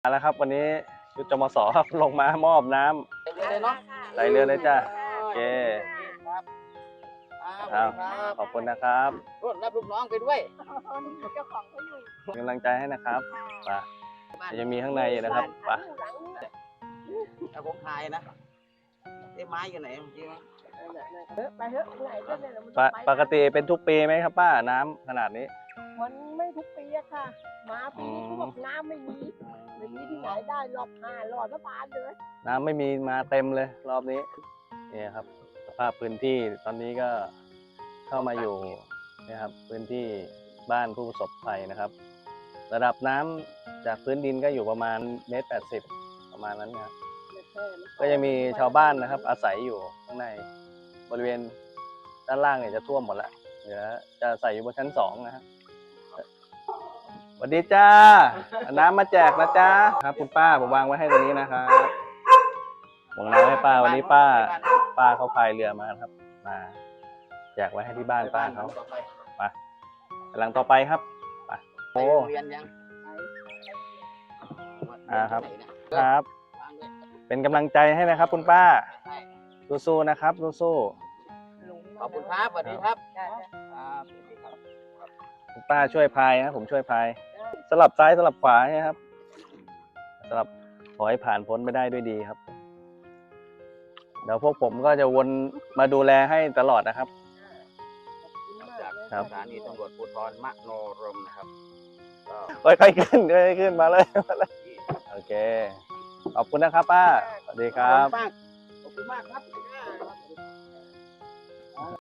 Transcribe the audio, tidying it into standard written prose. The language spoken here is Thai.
มาแล้วครับวันนี้ชุดจมสครับลงมามอบน้ำเรือเลยเนาะใส่เรือเลยจ้ะโอเคครับขอบคุณนะครับรับลูกน้องไปด้วยเจ้าของเขาอยู่เป็นกำลังใจให้นะครับไปยังมีข้างในอยู่นะครับไปแต่ผมขายนะไอ้ไม้อยู่ไหนเมื่อกี้ไปเถอะไหนก็เนี่ยปกติเป็นทุกปีไหมครับป้าน้ำขนาดนี้มันไม่ทุกปีอะค่ะ มาปีนี้เขาบอกน้ำไม่มีที่ไหนได้รอบ5 รอบบานเลยน้ำไม่มีมาเต็มเลยรอบนี้นี่ครับสภาพพื้นที่ตอนนี้ก็เข้ามาอยู่นะครับพื้นที่บ้านผู้ประสบภัยนะครับ ระดับน้ำจากพื้นดินก็อยู่ประมาณ1.80 เมตรประมาณนั้นนะครับก็ยังมีชาวบ้านนะครับอาศัยอยู่ข้างในบริเวณด้านล่างเนี่ยจะท่วมหมดแล้วเดี๋ยวจะใส่อยู่บนชั้น2นะครับสวัสดีจ้าน้ำมาแจกนะจ้าครับคุณป้าผมวางไว้ให้ตรงนี้นะครับวางน้ำให้ป้าวันนี้ป้าเขาพายเรือมาครับมาแจกไว้ให้ที่บ้านป้าเขาไปหลังต่อไปครับไปโอ้เรียนยังครับครับเป็นกำลังใจให้นะครับคุณป้าสู้ๆนะครับสู้ๆขอบคุณครับสวัสดีครับคุณป้าช่วยพายนะผมช่วยพายสลับซ้ายสลับขวาใช่ไหมครับสลับขอให้ผ่านพ้นไปได้ด้วยดีครับเดี๋ยวพวกผมก็จะวนมาดูแลให้ตลอดนะครับจากสถานีตำรวจภูธรมโนรมนะครับก็ค่อยๆขึ้นค่อยๆขึ้นมาเลยโอเคขอบคุณนะครับป้าสวัสดีครับขอบคุณมากครับ